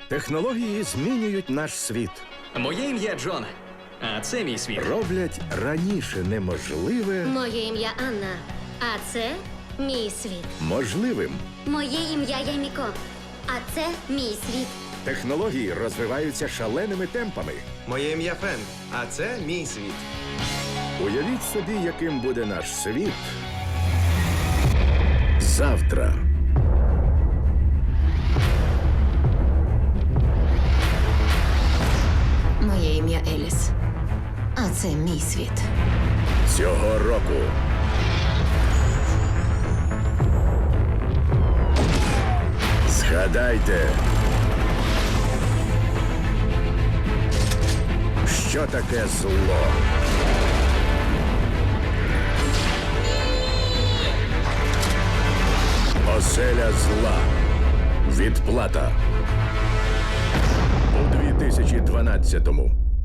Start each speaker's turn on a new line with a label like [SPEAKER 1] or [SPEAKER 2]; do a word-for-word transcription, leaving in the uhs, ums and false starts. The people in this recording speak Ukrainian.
[SPEAKER 1] Технології змінюють наш світ.
[SPEAKER 2] Моє ім'я Джон, а це мій світ.
[SPEAKER 1] Роблять раніше неможливе
[SPEAKER 3] Моє ім'я Анна, а це мій світ.
[SPEAKER 1] можливим.
[SPEAKER 3] Моє ім'я Яміко, а це мій світ.
[SPEAKER 1] Технології розвиваються шаленими темпами.
[SPEAKER 4] Моє ім'я Фен, а це мій світ.
[SPEAKER 1] Уявіть собі, яким буде наш світ завтра.
[SPEAKER 5] Моє ім'я Еліс, а це мій світ.
[SPEAKER 1] Цього року. Згадайте, що таке зло. Оселя зла. Відплата. У дві тисячі дванадцятому.